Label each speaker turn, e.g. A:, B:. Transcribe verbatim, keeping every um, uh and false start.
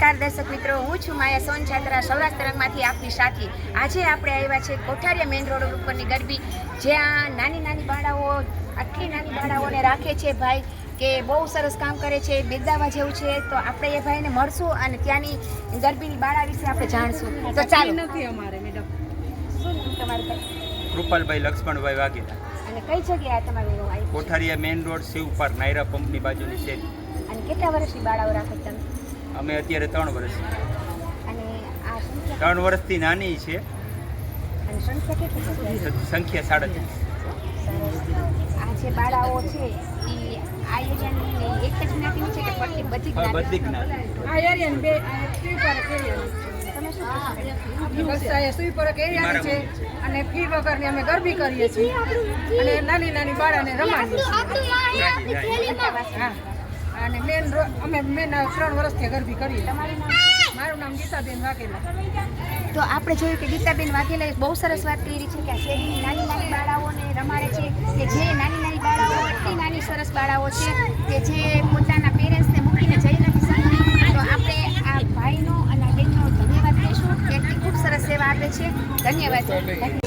A: નમસ્કાર દર્શક મિત્રો, હું છું માયા સોન છાત્રા સૌરાષ્ટ્ર તરંગમાંથી આપની સાથી. આજે આપણે આવ્યા છે કોઠારિયા મેઇન રોડ ઉપરની ગરબી, જ્યાં નાની નાની બાળાઓ આટલી નાની બાળાઓને રાખે છે ભાઈ કે બહુ સરસ કામ કરે છે, બિરદાવા જેવું છે. તો આપણે એ ભાઈને મળશું અને ત્યાંની ગરબીની બાળા વિશે આપણે જાણશું. તો ચાલો.
B: નથી અમારે મેડમ.
A: શું નામ તમારું ભાઈ?
C: કૃપાલભાઈ લક્ષ્મણભાઈ વાઘેલા,
A: અને કઈ જગ્યાએ તમારું એવું આવ્યું?
C: Kothariya main road Shiv park Nayara પંપની બાજુની શેરી.
A: અને કેટલા વર્ષની બાળાઓ રાખો છો તમે?
C: અમે અત્યારે ત્રણ વર્ષ
A: અને આ સંખ્યા
C: ત્રણ વર્ષથી નાની છે,
A: અને સંખ્યા કેટલી છે?
C: સંખ્યા સાડત્રીસ.
A: સરસ. આ જે બાળાઓ છે એ આ એરિયાની એક જ જ્ઞાતિની છે કે ફરતી બધી
C: બધી
A: જ્ઞાતિ?
C: જ્ઞાતિ.
B: આ એરિયન બે સ્વીપર એરિયન
A: તમે શું કહો છો?
B: બસ આ સ્વીપર એરિયન છે અને ફી વગરની અમે ગરબી કરીએ છીએ અને નાની નાની બાળાને રમાડીએ છીએ. હા, અને મેન અમે મેન ત્રણ વર્ષથી ગરબી કરીએ.
A: તમારું નામ?
B: મારું નામ ગીતાબેન વાઘેલા.
A: તો આપણે જોયું કે ગીતાબેન વાઘેલાએ બહુ સરસ વાત કરી છે કે આ શેરીની નાની નાની બાળાઓને રમાડે છે, કે જે નાની નાની બાળાઓ એટલી નાની સરસ બાળાઓ છે કે જે પોતાના પેરેન્ટ્સને મૂકીને જઈ નથી શકતી. તો આપણે આ ભાઈનો અને આ બહેનનો ધન્યવાદ કહીશું કે એટલી ખૂબ સરસ સેવા આપે છે. ધન્યવાદ.